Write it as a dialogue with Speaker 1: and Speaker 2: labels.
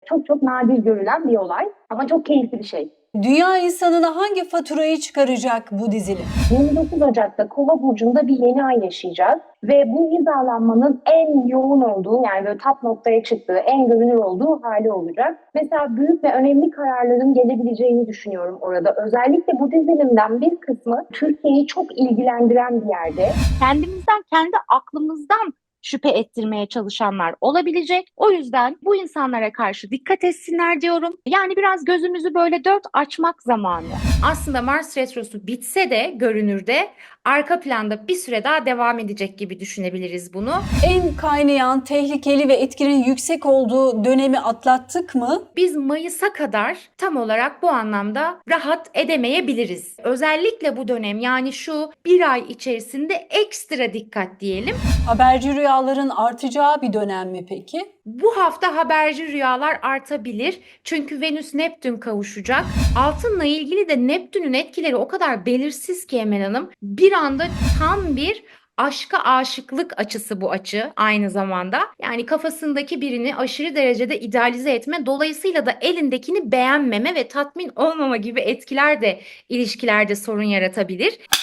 Speaker 1: çok çok nadir görülen bir olay ama çok keyifli bir şey.
Speaker 2: Dünya insanına hangi faturayı çıkaracak bu dizilim?
Speaker 1: 29 Ocak'ta Kova burcunda bir yeni ay yaşayacağız ve bu hizalanmanın en yoğun olduğu, yani böyle tap noktaya çıktığı, en görünür olduğu hali olacak. Mesela büyük ve önemli kararların gelebileceğini düşünüyorum orada. Özellikle bu dizilimden bir kısmı Türkiye'yi çok ilgilendiren bir yerde.
Speaker 3: Kendimizden, kendi aklımızdan şüphe ettirmeye çalışanlar olabilecek. O yüzden bu insanlara karşı dikkat etsinler diyorum. Yani biraz gözümüzü böyle dört açmak zamanı.
Speaker 4: Aslında Mars Retrosu bitse de görünürde arka planda bir süre daha devam edecek gibi düşünebiliriz bunu.
Speaker 2: En kaynayan, tehlikeli ve etkinin yüksek olduğu dönemi atlattık mı?
Speaker 4: Biz Mayıs'a kadar tam olarak bu anlamda rahat edemeyebiliriz. Özellikle bu dönem, yani şu bir ay içerisinde ekstra dikkat diyelim.
Speaker 2: Haberci rüyaların artacağı bir dönem mi peki?
Speaker 4: Bu hafta haberci rüyalar artabilir. Çünkü Venüs Neptün kavuşacak. Altınla ilgili de Neptün'ün etkileri o kadar belirsiz ki Emel Hanım. Bir anda tam bir aşka aşıklık açısı bu açı aynı zamanda. Yani kafasındaki birini aşırı derecede idealize etme, dolayısıyla da elindekini beğenmeme ve tatmin olmama gibi etkiler de ilişkilerde sorun yaratabilir.